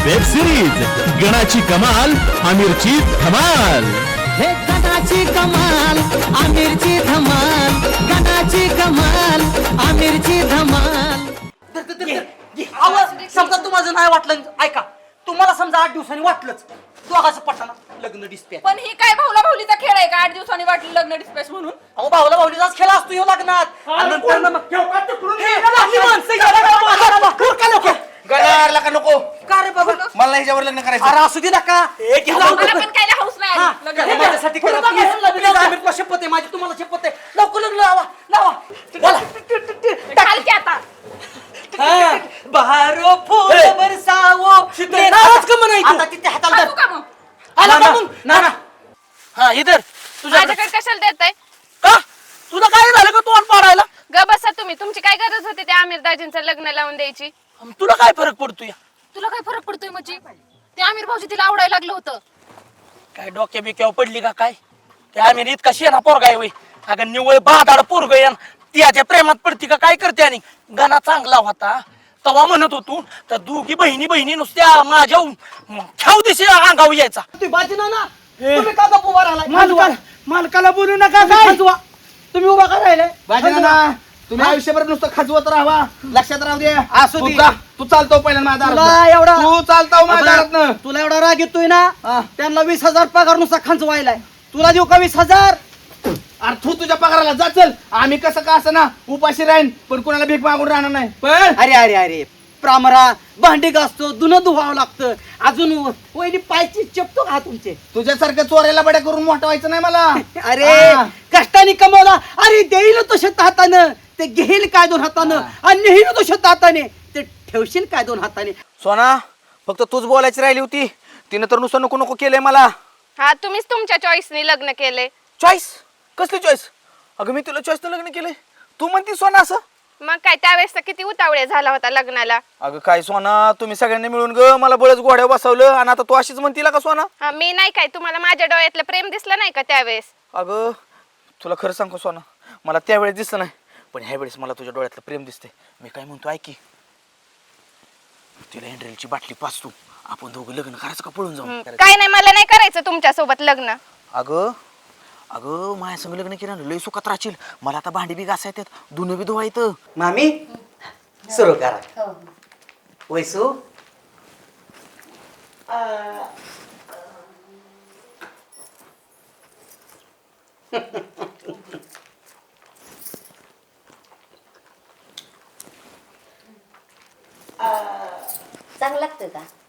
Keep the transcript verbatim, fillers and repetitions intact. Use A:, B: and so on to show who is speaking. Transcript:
A: Web series गणाची कमाल आमिरची धमाल।
B: हे गणाची कमाल आमिरची धमाल, गणाची कमाल आमिरची धमाल।
C: समजा तुम्हाला नाही वाटलं, ऐका तुम्हाला समजा आठ दिवसांनी वाटलंच दोघांचं पटाना लग्न डिस्पॅच,
D: पण ही काय भाऊला भाऊलीचा खेळ आहे का? आठ दिवसांनी वाटलं लग्न डिस्पॅच म्हणून?
C: अहो भाऊला भाऊलीचाच खेळ असतो ह्यो लग्नात। आणि नंतर ना मग हे लागली माणसं गेला
E: गणारला का नको?
C: का रे बाबा?
E: मला ह्याच्यावर लग्न करायचं।
C: अरे असू दे नका, एक घ्या
D: मला पण काय हाऊस नाही
C: हा,
D: आली लग्न
C: हे माझ्यासाठी करा please. Please, आमिरला शपथ आहे माझी, तुम्हाला शपथ आहे, लवकर लग्न लावा लावा बोला।
D: घाल की आता
C: हा, बहारो फूल बरसावो
E: नाराज का म्हणायचं?
C: आता तिथे हाताला
D: हाकू का मग?
C: आला का मग? ना ना
E: हा इधर तुझ्या
D: माझ्याकडे कशाला देताय?
E: का तुला काय झालं का तोंड पाडायला?
D: ग बसा तुम्ही, तुमची काय गरज होती त्या आमिर दाजींचं लग्न लावून द्यायची?
E: तुला काय फरक पडतोय?
D: तुला काय फरक पडतोय म्हणजे? ते आमिर भाऊजी तिला आवडायला लागलं होतं।
E: काय डोक्या बिक्यावर पडली का काय? ते आम्ही इतका शेणा पोरगा आहे वय, अगं निवळ बादाड पोरग आहे, त्याच्या प्रेमात पडती का काय करते? आणि गाणा चांगला होता तवा म्हणत होतो, तर दोघी बहिणी बहिणी नुसत्या माझ्या खाऊ दिशी अंगावर यायचा।
C: तुम्ही बाजी ना ना, तुम्ही का गप्प उभा राहिलाय?
E: मालकाला मालकाला बोलू नका काय?
C: खाजवा, तुम्ही उभा का राहिले?
F: बाजीनाना तुम्ही आयुष्यभर नुसतं खाजवत राहा, लक्षात राहू दे।
C: असू
F: तू
C: दे.
F: जा, तू चालतो पहिल्यांदा माझ्या
C: तुला
F: दारात।
C: एवढा
F: तू चालतो माझ्या दारातनं।
C: तुला एवढा राग येतोय ना,
F: हा.
C: त्यांना वीस हजार पगार नुसता खंचवायलाय, तुला देऊ का वीस हजार?
F: अरे तू तुझ्या पगाराला जा, चल। आम्ही कसं का असं ना उपाशी राहीन, पण कोणाला भीक मागून राहणार नाही। पण
C: अरे अरे अरे प्रामरा, भांडी घासतो, धुणं धुवावं लागतं, अजून वहिनी पायची चपतो का तुमचे?
F: तुझ्यासारख्या चोऱ्याला बड्या करून मोठा व्हायचं नाही मला।
C: अरे
F: हा.
C: कष्टाने कमवला, अरे देईल तो शेत हातानं, ते घेईल काय दोन हातानं, आणि नेईल तो शेत हाताने, ते ठेवशील काय दोन हाताने?
E: सोना फक्त तूच बोलायची राहिली होती, तिने तर नुसतं नको नको केलंय मला।
D: हा, तुम्हीच तुमच्या चॉईसने लग्न केले।
E: चॉईस? कसली चॉईस? अगं मी तुला चॉईसनं लग्न केलंय, तू म्हणती सोना असं?
D: मग काय त्यावेळेस तर किती उतावळे झाला होता लग्नाला?
E: अगं काय सोना, तुम्ही सगळ्यांनी मिळून ग मला बळच घोड्या बसवलं, आणि आता तू अशीच म्हणतीला का सोना?
D: हा, मी नाही काय, तुम्हाला माझ्या डोळ्यातलं प्रेम दिसलं नाही का त्यावेळेस?
E: अगं तुला खरं सांगू सोना, मला त्यावेळेस दिसलं नाही, पण ह्या वेळेस मला तुझ्या डोळ्यातलं प्रेम दिसते। मी काय म्हणतो ऐकी, तिला हँड्रेलची बाटली पाच तू, आपण दोघं लग्न करायचं का पळून जाऊ?
D: काय नाही, मला नाही करायचं तुमच्या सोबत लग्न।
E: अगं अगं माझ्या संग लग्न केलं लय सुखात राहशील, मला आता भांडी बी घासायत, धुणं बी धुवायचं।
C: मामी सुरू करा। वैसू
G: चांगलं लागतं का?